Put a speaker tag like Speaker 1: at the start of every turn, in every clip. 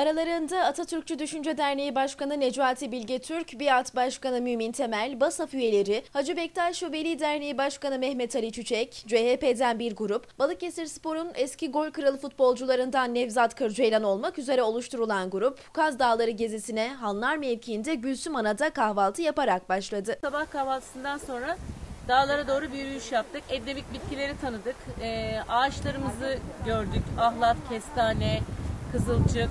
Speaker 1: Aralarında Atatürkçü Düşünce Derneği Başkanı Necati Bilge Türk, Biat Başkanı Mümin Temel, BASAF üyeleri, Hacı Bektaş Veli Derneği Başkanı Mehmet Ali Çiçek, CHP'den bir grup, Balıkesirspor'un eski gol kralı futbolcularından Nevzat Kırceylan olmak üzere oluşturulan grup, Kaz Dağları gezisine Hanlar mevkiinde Gülsüm Ana'da kahvaltı yaparak başladı.
Speaker 2: Sabah kahvaltısından sonra dağlara doğru bir yürüyüş yaptık. Endemik bitkileri tanıdık. Ağaçlarımızı gördük. Ahlat, kestane, kızılcık.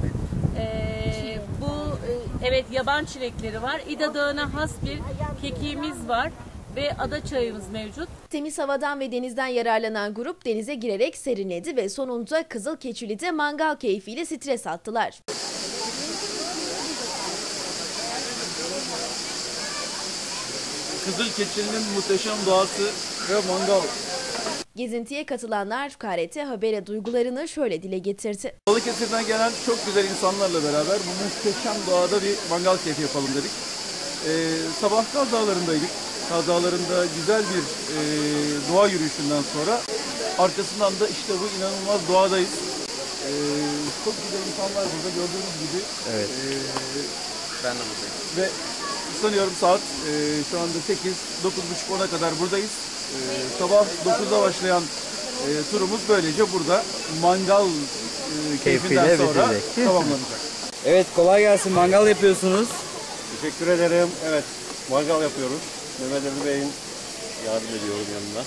Speaker 2: Evet, yaban çilekleri var. İda Dağı'na has bir kekiğimiz var ve ada çayımız mevcut.
Speaker 1: Temiz havadan ve denizden yararlanan grup denize girerek serinledi ve sonunda Kızılkeçili'de mangal keyfiyle stres attılar.
Speaker 3: Kızılkeçili'nin muhteşem doğası ve mangal.
Speaker 1: Gezintiye katılanlar KRT Haber'e duygularını şöyle dile getirdi.
Speaker 3: Balıkesir'den gelen çok güzel insanlarla beraber bu muhteşem doğada bir mangal keyfi yapalım dedik. Sabah Kaz Dağları'ndaydık. Kaz Dağları'nda güzel bir doğa yürüyüşünden sonra arkasından da işte bu inanılmaz doğadayız. Çok güzel insanlar burada gördüğünüz gibi.
Speaker 4: Evet. Ben de buradayım.
Speaker 3: Ve sanıyorum saat şu anda 8, 9.30-10'a kadar buradayız. Sabah 9'da başlayan turumuz böylece burada mangal keyfinden sonra tamamlanacak.
Speaker 4: Evet, kolay gelsin. Mangal yapıyorsunuz.
Speaker 5: Teşekkür ederim. Evet, mangal yapıyoruz. Mehmet Ali Bey'in yardım ediyorum yanına.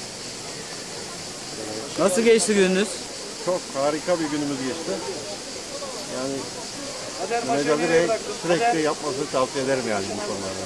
Speaker 4: Nasıl geçti gününüz?
Speaker 5: Çok harika bir günümüz geçti. Yani Mehmet Ali Bey sürekli yapmasını tavsiye ederim yani bu konularda.